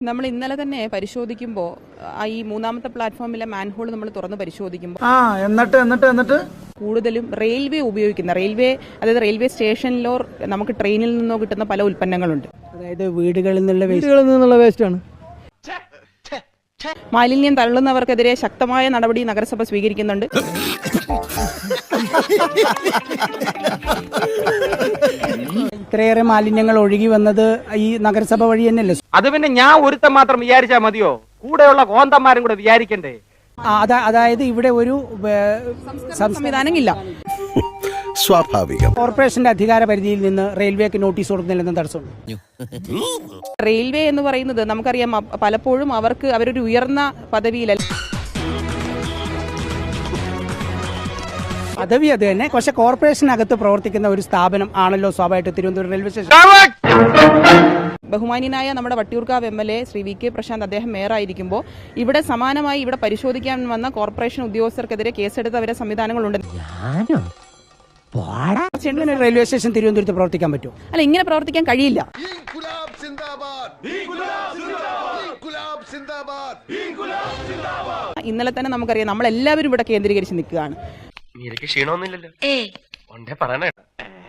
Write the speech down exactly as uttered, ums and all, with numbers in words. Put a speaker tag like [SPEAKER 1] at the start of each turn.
[SPEAKER 1] നമ്മൾ ഇന്നലെ തന്നെ പരിശോധിക്കുമ്പോൾ ഈ മൂന്നാമത്തെ പ്ലാറ്റ്ഫോമിലെ മാൻഹോൾ നമ്മൾ തുറന്ന് പരിശോധിക്കുമ്പോൾ
[SPEAKER 2] ആ എന്നിട്ട് എന്നിട്ട് എന്നിട്ട്
[SPEAKER 1] കൂടുതലും റെയിൽവേ ഉപയോഗിക്കുന്ന റെയിൽവേ അതായത് റെയിൽവേ സ്റ്റേഷനിലോ നമുക്ക് ട്രെയിനിൽ നിന്നോ കിട്ടുന്ന പല ഉൽപ്പന്നങ്ങളുണ്ട്.
[SPEAKER 2] അതായത് വീടുകളിൽ നിന്നുള്ള
[SPEAKER 3] വീടുകളിൽ നിന്നുള്ള വേസ്റ്റാണ്.
[SPEAKER 1] മാലിന്യം തള്ളുന്നവർക്കെതിരെ ശക്തമായ നടപടി നഗരസഭ സ്വീകരിക്കുന്നുണ്ട്.
[SPEAKER 2] ഇത്രയേറെ മാലിന്യങ്ങൾ ഒഴുകി വന്നത് ഈ നഗരസഭ വഴി തന്നെയല്ലേ?
[SPEAKER 4] അത് പിന്നെ ഞാൻ ഒരുത്തം മാത്രം വിചാരിച്ചാ മതിയോ? കൂടെയുള്ള കോന്തന്മാരും കൂടെ വിചാരിക്കണ്ടേ?
[SPEAKER 2] അതായത് ഇവിടെ ഒരു
[SPEAKER 1] സംവിധാനം ഇല്ല.
[SPEAKER 5] സ്വാഭാവികം.
[SPEAKER 2] കോർപ്പറേഷന്റെ അധികാര പരിധിയിൽ നിന്ന് റെയിൽവേക്ക് നോട്ടീസ് കൊടുക്കുന്നില്ലെന്ന് തടസ്സമുണ്ട്.
[SPEAKER 1] റെയിൽവേ എന്ന് പറയുന്നത് നമുക്കറിയാം, പലപ്പോഴും അവർക്ക് അവരൊരു ഉയർന്ന പദവിയിലല്ല.
[SPEAKER 2] പദവി അത് തന്നെ, പക്ഷെ കോർപ്പറേഷനകത്ത് പ്രവർത്തിക്കുന്ന ഒരു സ്ഥാപനം ആണല്ലോ സ്വാഭാവികമായിട്ട് തിരുവനന്തപുരം റെയിൽവേ സ്റ്റേഷൻ.
[SPEAKER 1] ബഹുമാന്യനായ നമ്മുടെ Vattiyoorkavu M L A Shri V K Prashanth അദ്ദേഹം മേയറായിരിക്കുമ്പോൾ ഇവിടെ സമാനമായി ഇവിടെ പരിശോധിക്കാൻ വന്ന കോർപ്പറേഷൻ ഉദ്യോഗസ്ഥർക്കെതിരെ കേസെടുത്തവരെ സംവിധാനങ്ങളുണ്ട്.
[SPEAKER 2] റെയിൽവേ സ്റ്റേഷൻ തിരുവനന്തപുരത്ത് പ്രവർത്തിക്കാൻ പറ്റുമോ?
[SPEAKER 1] അല്ല, ഇങ്ങനെ പ്രവർത്തിക്കാൻ കഴിയില്ല. ഇന്നലെ തന്നെ നമുക്കറിയാം, നമ്മളെല്ലാവരും ഇവിടെ കേന്ദ്രീകരിച്ച് നിൽക്കുകയാണ്.
[SPEAKER 4] ക്ഷീണമൊന്നുമില്ലല്ലോ.